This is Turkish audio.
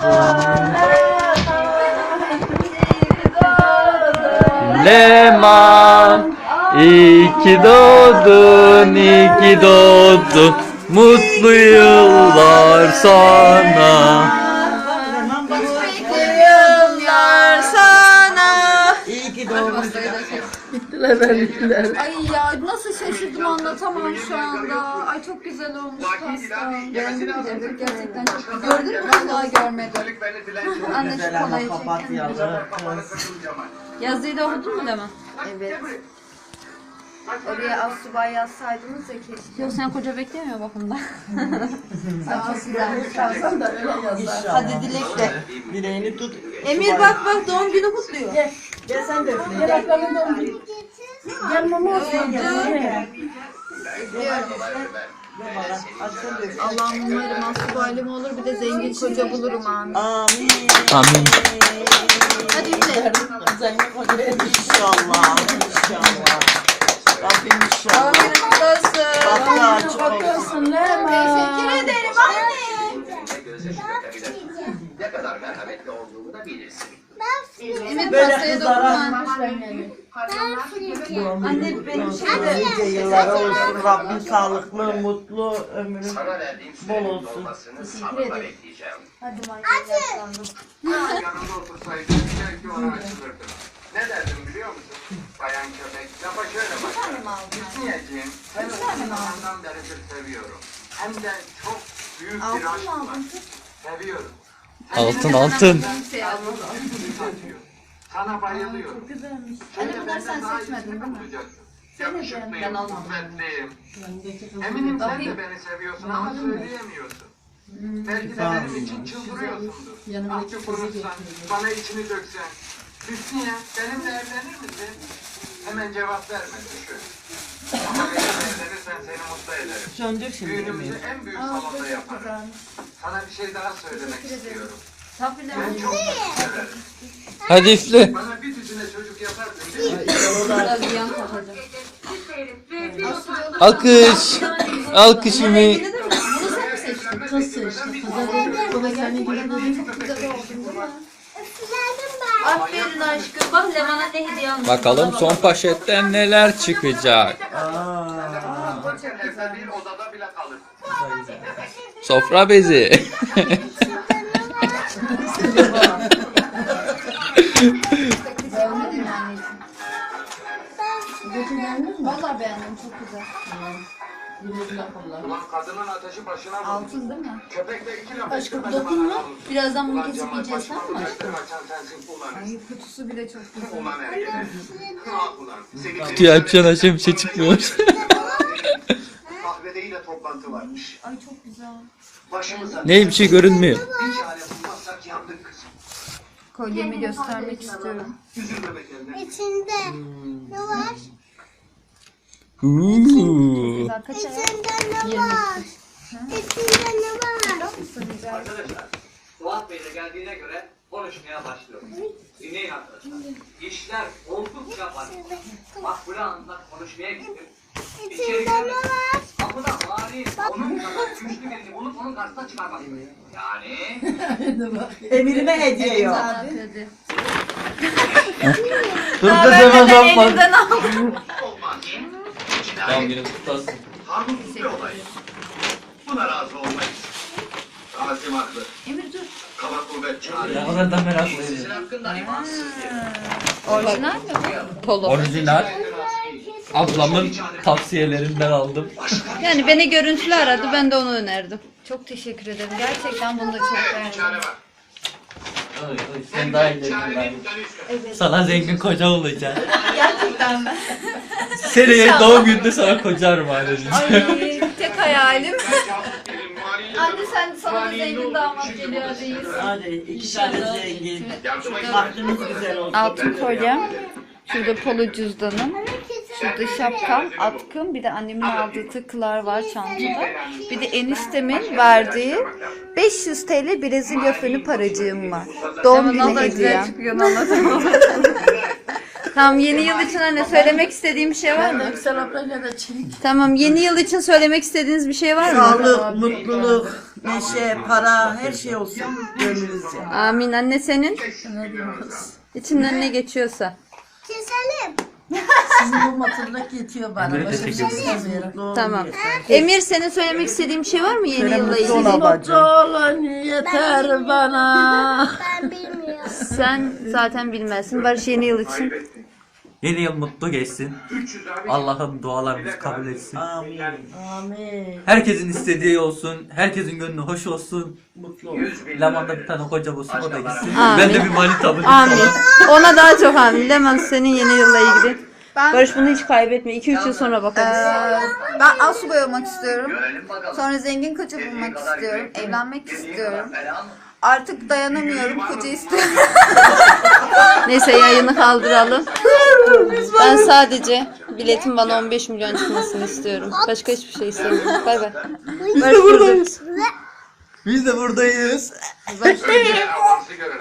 Leman, iyi ki doğdun, iyi ki doğdun. Mutlu yıllar sana. Mutlu yıllar sana. İyi ki doğdun. Ay ya nasıl şaşırdım anlatamam şu anda. Ay çok güzel olmuş pasta. Beğendin mi? Gerçekten çok güzel. Gördün mü? Vallahi görmedim. Anne şu Güzel ama kolayı çek. papatyalı. Yazıyı da okudun mu Leman? Evet. Oraya Assubay yazsaydınız ya keşke. Yok sen koca beklemiyor bakımda. Ay çok güzelmiş. İnşallah. Hadi dilekle. Dileğini tut. Emir bak doğum günü kutluyor. Gel sen de üfle. Gel. Gel mama olsun. Gel bana. Hadi sen de üfle. Allah'ım umarım Assubay'ım olur bir de zengin koca bulurum amin. Amin. Amin. Hadi üfle. İnşallah. İnşallah. Rabbim inşallah. Amin kutlu olsun. Bahtı açık olsun. Teşekkür ederim anne. Ne kadar merhametli olduğumu da bilirsin. Evet Böyle pastaya kızlara dokunma. Anne benim nice yıllara olsun. Rabbim sağlıklı, mutlu ömrün. Sana verdiğim Bol sürenin olsun. dolmasını sabırla bekleyeceğim. Hadi manyak Yanında otursaydın belki ona açılırdım. Ne derdim biliyor musun? Bayan köpek, lafa şöyle bakar. Hüsniyeciğim, seni uzun zamandan beridir seviyorum. Hem de çok büyük bir aşk var. Seviyorum. Altın. Şey almadım. Sana bayılıyorum. Çok güzelmiş. Anne bunları sen seçmedin değil mi? Yakışıklıyım, kuvvetliyim. Eminim sen de beni seviyorsun ama söyleyemiyorsun. Belki de benim için çıldırıyorsundur. Artık konuşsan, bana içini döksen. Hüsniye, benimle evlenir misin? Hemen cevap verme, düşün. Ama benimle evlenirsen seni mutlu ederim. Söndür şimdi. Düğünümüzü en büyük salonda yaparım. Sana bir şey daha söylemek istiyorum. Ben çok severim. Hadi üfle. Bana bir düzine çocuk yaparsın değil mi? Biraz yan takacağım. Alkış. Alkış Ümit. Bunu sen mi seçtin? Nasıl işte? Bana geldi. Çok güzel oldun değil mi? Aferin aşkım. Bak Leman'a ne hediye almış. Bakalım son poşetten neler çıkacak. Evde bir odada bile kalır. Sofra bezi. Beğenmedin mi anneciğim? Valla beğendim çok güzel. Ulan kadının ateşi başına vurdu. Altın değil mi? Köpek de iki laf Aşkım ettirmedi dokunma. bana. Birazdan bunu Ulan kesip Cemal yiyeceğiz başıma tamam mı? ulaştır, açan sensin ulan. Ay kutusu bile çok güzel. Ulan ergene. Ah ulan. Seni Kutuyu açan aşağı bir şey çıkmıyor. Kahvede yine toplantı varmış. Ay çok güzel. Başımıza Ne bir şey görünmüyor. bir çare bulmazsak yandık kızım. Kolyemi göstermek istiyorum. Üzülme be kendine. İçinde ne var? Uuu. Kaç ay? İçinde ne var? İçinde ne var? Arkadaşlar, Fuat Bey de geldiğine göre konuşmaya başlıyoruz. Dinleyin arkadaşlar. İşler oldukça var. Makbule Hanım'la konuşmaya gittim. İçeri İçinde ne giremedim. var? Kapıda mani onun kadar güçlü birini bulup onun karşısına çıkarmak. Yani Emirime hediye yok. Dedi. Dur kız hemen bakma. Elinden aldım. olmaz. Doğum günün kutlu olsun. Kanunsuz bir olay. Buna razı olmayız. Rasim haklı. Emir dur. Kaba kuvvet çağırıyor. Ne kadar da meraklıyım. Sizin hakkında imansız bir. Orijinal mi bu? Polo. Orijinal. Ablamın tavsiyelerinden aldım. Yani beni görüntülü aradı ben de onu önerdim. Çok teşekkür ederim. Gerçekten bunu da çok Evet, bir çare beğendim. var. Sen daha iyi Çarenin dedin. dönüşü. Sana zengin koca olacak. Gerçekten mi? Seneye doğum gününde sana kocarım anneciğim. Ay tek hayalim. Benim mali- Anne sen sana da zengin damat geliyor değil. Hadi iki tane zengin. Yardıma Bahtımız güzel olsun. Altın kolyem. Şurada polo cüzdanım. Şurada şapkam, atkım, bir de annemin aldığı tıkılar var çantada. Bir de eniştemin verdiği 500 TL Brezilya fönü paracığım var. Doğum günü hediyem. Tamam, yeni yıl için anne söylemek istediğim bir şey var mı? Yüksel ablayla da çelik. Tamam, yeni yıl için söylemek istediğiniz bir şey var mı? Sağlık, mutluluk, neşe, para, her şey olsun gönlünüzce. Amin. Anne senin Ne diyorum kız? içinden ne geçiyorsa. Keselim. Sizin bu matırlık yetiyor bana. Emre, Başka bir teşekkür şey ederim. istemiyorum. Doğru Tamam. yeter. Emir, senin söylemek istediğin bir şey var mı yeni yılla mutlu ilgili? ol abla. Mutlu olan yeter bana. Ben bilmiyorum. Sen zaten bilmezsin. Barış, yeni yıl için. Yeni yıl mutlu geçsin. Allah'ım dualarımızı kabul etsin. Amin. Amin. Herkesin istediği olsun. Herkesin gönlü hoş olsun. Mutlu ol. Leman'da bir tane koca bulsun, o da gitsin. Amin. Ben de bir manita bulayım Amin. falan. Ona daha çok amin. Leman, senin yeni yılla ilgili. Barış, bunu hiç kaybetme. 2-3 yıl sonra bakarız. Ben asubay olmak istiyorum. Sonra zengin koca bulmak istiyorum. Evlenmek istiyorum. Artık dayanamıyorum. Koca istiyorum. Neyse, yayını kaldıralım. Ben sadece biletin bana 15 milyon çıkmasını istiyorum. Başka hiçbir şey istemiyorum. Bay bay. Barış, buradayız. Biz de buradayız. Avazı görelim.